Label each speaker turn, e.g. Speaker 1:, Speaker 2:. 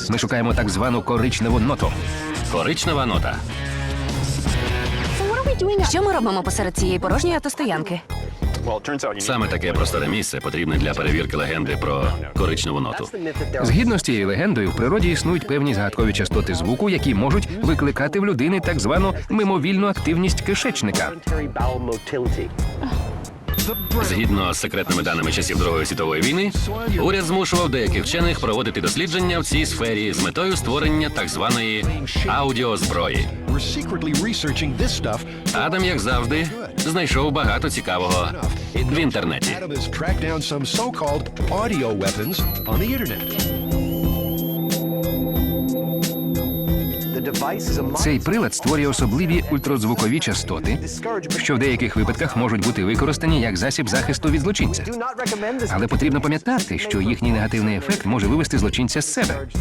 Speaker 1: Ми шукаємо так звану коричневу ноту.
Speaker 2: Коричнева нота.
Speaker 3: Що ми робимо посеред цієї порожньої автостоянки?
Speaker 2: Саме таке просторе місце потрібне для перевірки легенди про коричневу ноту.
Speaker 1: Згідно з цією легендою, в природі існують певні загадкові частоти звуку, які можуть викликати в людини так звану мимовільну активність кишечника.
Speaker 2: Згідно з секретними даними часів Другої світової війни, уряд змушував деяких вчених проводити дослідження в цій сфері з метою створення так званої аудіозброї. Адам, як завжди, знайшов багато цікавого в інтернеті.
Speaker 1: Цей прилад створює особливі ультразвукові частоти, що в деяких випадках можуть бути використані як засіб захисту від злочинця. Але потрібно пам'ятати, що їхній негативний ефект може вивести злочинця з себе.